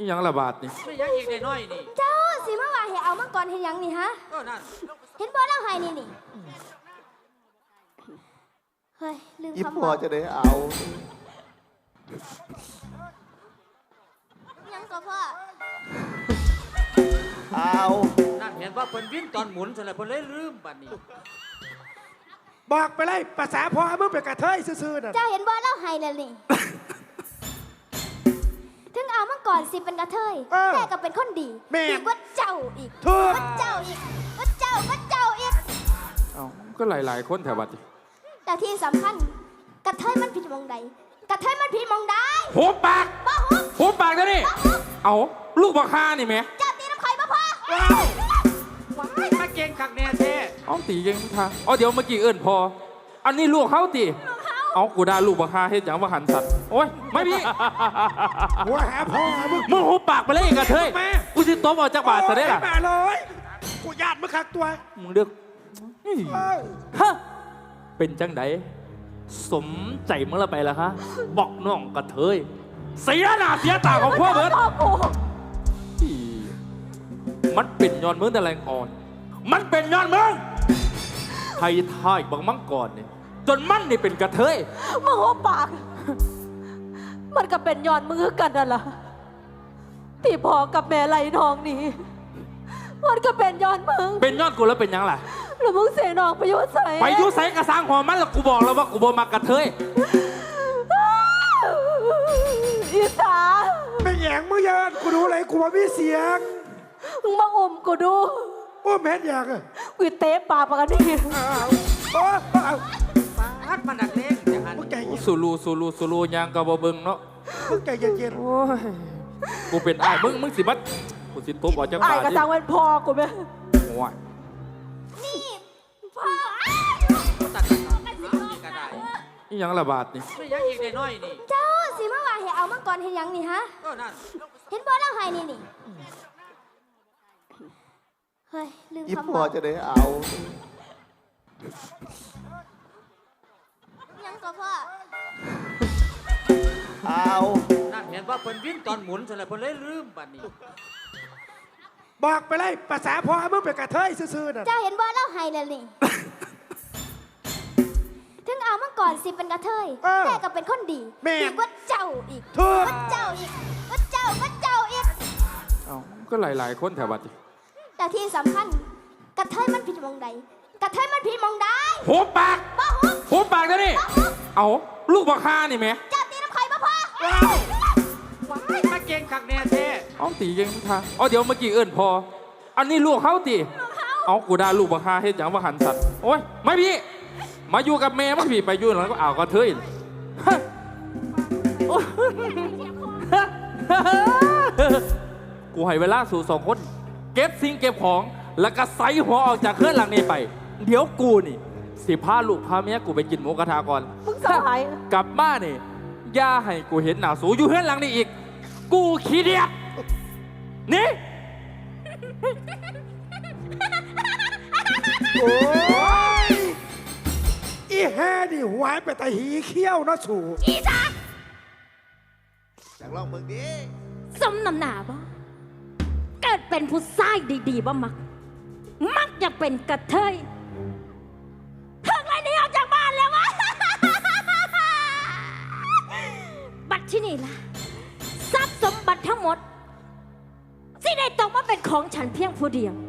นี่ยังระบาดนี่ไม่ยังอีกได้น้อยนี่เจ้าสิมาว่าให้เอามาก่อนเห็นยังนี่ฮะนั่นเห็นบ่เล่าให้นี่เฮ้ยลืมอีคำพ่อจะได้เอายังก็พ่อเอานั่นเห็นว่าเพิ่นวิ่งตอนหมุนซะแล้วเพิ่นเลยลืมบัดนี้บอกไปเลยภาษาพ่อมึงเป็นกระเทยซื่อๆน่ะเจ้าเห็นบ่เล่าให้นั่นนี่ถึงเอามาก่อนสิเป็นกระเทยแต่ก็เป็นคนดีดีกว่าเจ้าอีกว่าเจ้าอีกว่าเจ้าอีกเอ้าก็หลายคนแถวบัดนี่แต่ที่สำคัญกระเทยมันผิดมองใดกระเทยมันผิดมองใดหัวปากบ่หัวปากเดี๋ยวนี้เอาลูกบักฮานี่แม่เจ้าตีน้ำข่อยบ่พอว้ายมาเก่งคักแน่แท้เอาตีเก่งท่าเอาเดี๋ยวเมื่อกี้เอิ้นพออันนี้ลูกเขาตีเอากูด่าลูกบักฮาเฮ็ดหยังว่าหันสัตว์โอ้ยไม่พี่หัวหาพ่อมึงหัวปากไปเลยกระเทยกูสิตบออกจากบาดซะได้ล่ะมาเลยกูญาติมึงคักตัวมึงเลือกฮะเป็นจังไดสมใจมึงละไปละฮะบอกน้องกระเทยเสียหน้าเสียตาของพ่อเบิร์ดมันเป็นย้อนมึงแต่แรงอ่อนมันเป็นย้อนมึงไทยท่ายบางมังกรเนี่ยจนมันนี่เป็นกระเทยมึงหัวปากมันก็เป็นย้อนมือกันนั่นล่ะที่พ่อกับแม่ไล่น้องนี่มันก็เป็นย้อนมึงเป็นย้อนกูแล้วเป็นยังล่ะแล้วมึงเสียน้องไปยุ่ใส่ไปยุ่ใส่กระซังหัวมันแล้วกูบอกแล้วว่ากูบ่มากระเทยอีสาไม่แยงมึงยันกูดูอะไรกูว่ามีเสียงมึงมาอมกูดูโอ้แม่นอยากอะกูเตะปากปากนี่โอ้ปาดมันดักเล่นอย่างนั้นสูรูยางกะบ่เบิ่งเนาะมึงใจเย็นๆโอ้ยกูเป็นอ้ายมึงสิบัดกูสิตบออกจากบ้านอ้ายกระซังเป็นพ่อกูแม่โอ้ยนี่พ่อตัดกันนี่ก็ได้นี่ยังระบาดนี่ไม่ยังอีกได้น้อยนี่เจ้าสิมาว่าให้เอามาก่อนเห็นยังนี่ฮะนั่นเห็นบ่เล่าให้นี่เฮ้ยลืมอีคำพ่อจะได้เอายังก็พ่อเอานั่นเห็นว่าเพิ่นวิ่งตอนหมุนซะแล้วเพิ่นเลยลืมบัดนี้บอกไปเลยภาษาพ่อมึงเป็นกระเทยซื่อๆน่ะเจ้าเห็นบ่เล่าให้นั่นนี่ถึงเอามาก่อนสิเป็นกระเทยแต่ก็เป็นคนดีดีกว่าเจ้าอีกว่าเจ้าอีกว่าเจ้าอีกเอ้าก็หลายคนแถวบัดนี่แต่ที่สำคัญกระเทยมันผิดมองใดกระเทยมันผิดมองใดหัวปากหัวปากเดี๋ยวนี้เอาลูกบักฮานี่แม่เจ้าตีน้ำข่อยบ่พอว้ายมาเก่งคักแน่แท้เอาตีเก่งท่าเอาเดี๋ยวเมื่อกี้เอิ้นพออันนี้ลูกเขาตีเอากูด่าลูกบักฮาเฮ็ดหยังว่าหันสัตว์โอ้ยไม่พี่มาอยู่กับแม่มันพี่ไปอยู่แล้วก็เอากระเทยกูให้เวลาสู่2 คนเก็บสิ่งเก็บของแล้วก็ใส่หัวออกจากเครื่องหลังนี้ไปเดี๋ยวกูนี่สิพาลูกพาเมียกูไปกินหมูกระทะก่อนมึงสหายกลับบ้านนี่อย่าให้กูเห็นหน้าสูอยู่เครื่องหลังนี้อีกกูขี้เดียดนี่โอ้ยอีแห่นี่หวายไปแต่หีเขี้ยวนะสูอีจ้าอยากลองมึงดิสมน้ำหนาบ่เกิดเป็นผู้ชายดีๆบ่มักจะเป็นกระเทยถึงไรนี้ออกจากบ้านแล้ววะบัตรที่นี่ล่ะทรัพย์สมบัติทั้งหมดที่ได้ตกมาเป็นของฉันเพียงผู้เดียว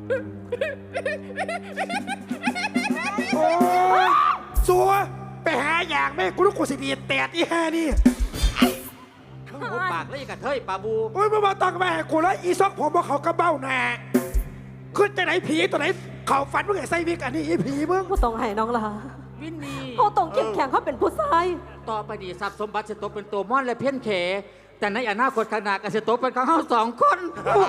โอ้ยสัวไปหาอย่างแม่กูรู้กูสิดีแตดอีแห่นี่หัวปากเลยกระเทยปาบูโอ้ยมาต้องแม่กูแล้วอีซอกผมว่าเขากระเบ้าแน่ขึ้นจะไหนผีตัวไหนเขาฝันว่าไงไส้วิกอันนี้อีผีมึงผู้ต้องให้น้องล่ะวินนี่เขาต้องเข้มแข็งเขาเป็นผู้ชายต่อไปดีทรัพย์สมบัติจะตกเป็นตัวม่อนและเพี้ยนเขแต่ในอนาคตข้างหน้าก็จะตกเป็นของเรา2 คน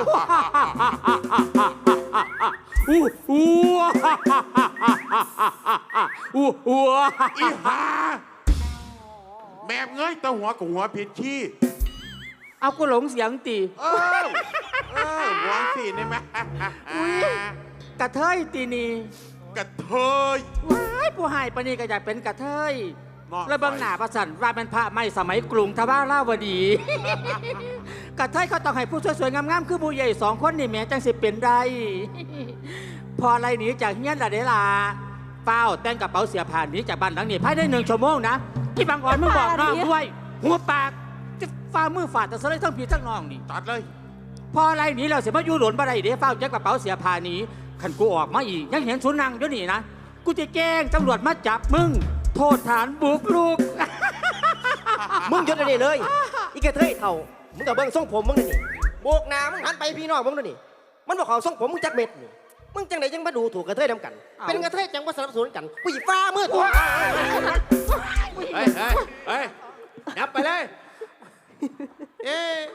อีหาแม่เงยตะหัวกับหัวผิดขี้เอากูหลงเสียงตีหัวสีได้ไหมกระเทยตีนี่กระเทยว้ายผู้หายปนีก็อยากเป็นกระเทยแล้วบางหน้าประสันว่าเป็นพระไม่สมัยกรุงทว่าเล่าวดีกระเทยเขาต้องให้ผู้สวยๆงามๆคือผู้ใหญ่2 คนนี่แหม่จังสิเป็นได้ พออะไรหนีจากเฮียนละเดล่ะเฝ้าแต่งกระเป๋าเสียผ่านหนีจากบ้านหลังนี้ภายใน1 ชั่วโมงนะที่บางอ่อนมึงบอกน้องด้วย หัวปากจะฝ่ามือฝ่าแต่สไลด์ทั้งผีทั้งน้องนี่ตัดเลยพออะไรหนีเราเสียมาอยู่หลนบ่ได้เด้เฝ้าแจ็คกระเป๋าเสียผ่านหนีขันกูออกมาอีกยังเห็นสุนังอยู่นี่นะกูจะแกล้งตำรวจมาจับมึงโทษฐานบุกรุกมึงหยุดอะไรเลย อีกระเทยเท่ามึงกับเบิ้งทรงผมมึงนี่โบกหน้ามึงหันไปพี่น้องมึงนี่มันบอกเขาทรงผมมึงจักเม็ดนี่มึงจังไหนจังมาดูถูกกระเทยนำกัน เป็นกระเทยจังว่าสนับสนุนกันกูหยิบฟ้ามือตัวเฮ้ยนับไปเลย เอ๊ะ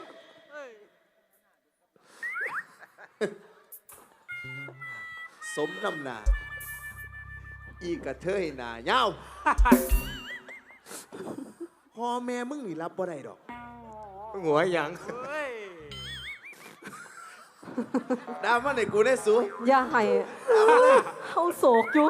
สมน้ำหนาอีกระเทยหนาเย้าพ่อแม่มึงนี่รับบ่ได้ดอกหัวหยังดามาในกูได้สูอย่าให้เขาโศกอยู่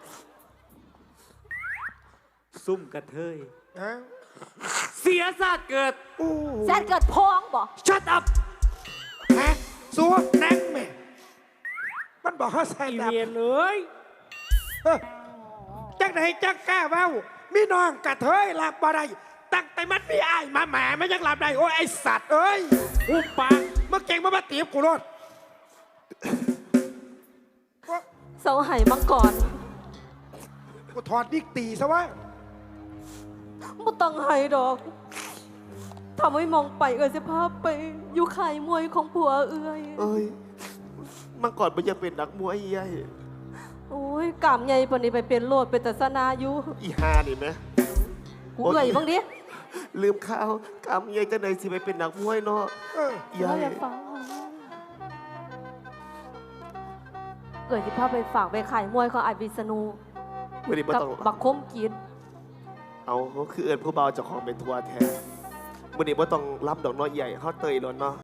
ซุ่มกระเทยฮะเสียศาสตร์เกิดแซดเกิดพองบ่ชัดอัพฮะสัวนั่งแม่มันบอกเขาใส่ดับเรียนเลยจังไหนจังกล้าเว้ามีน้องกระเทยหลับบ่ได้ตั้งแต่มันมีอ้ายมาแหมไม่ยังหลับได้โอ้ยไอสัตว์เอ้ยอุปปากเมื่อเก่งมาตีบกูรถเสาไห้มังกรกูถอดดิกตีซะวะบ่ต้องไห้ดอกทำให้มองไปสิภาพไปอยู่ข่ายมวยของผัวเอื้อยเอ้ยมันก่อนมันจะเป็นนักมวยใหญ่โอ้ยกามใหญ่ปานนี้ไปเป็นโลดเป็นแต่สนาอยู่อีฮานี่ไหมกูเอื้อยบ้างดิลืมข้าวกำใหญ่จะไหนสิไปเป็นนักมวยเนาะ ใหญ่เราอย่าฟังเอื้อยสิพาไปฝากไปข่ายมวยของไอ้วิษณุวันนี้มากับต้องบักคมกินเอาเขาคือเอิญผู้เบาเจากของเป็นทัวร์แทนวันนี้มาต้องรับดอกน้อยใหญ่เขาเตยแล้วเนาะ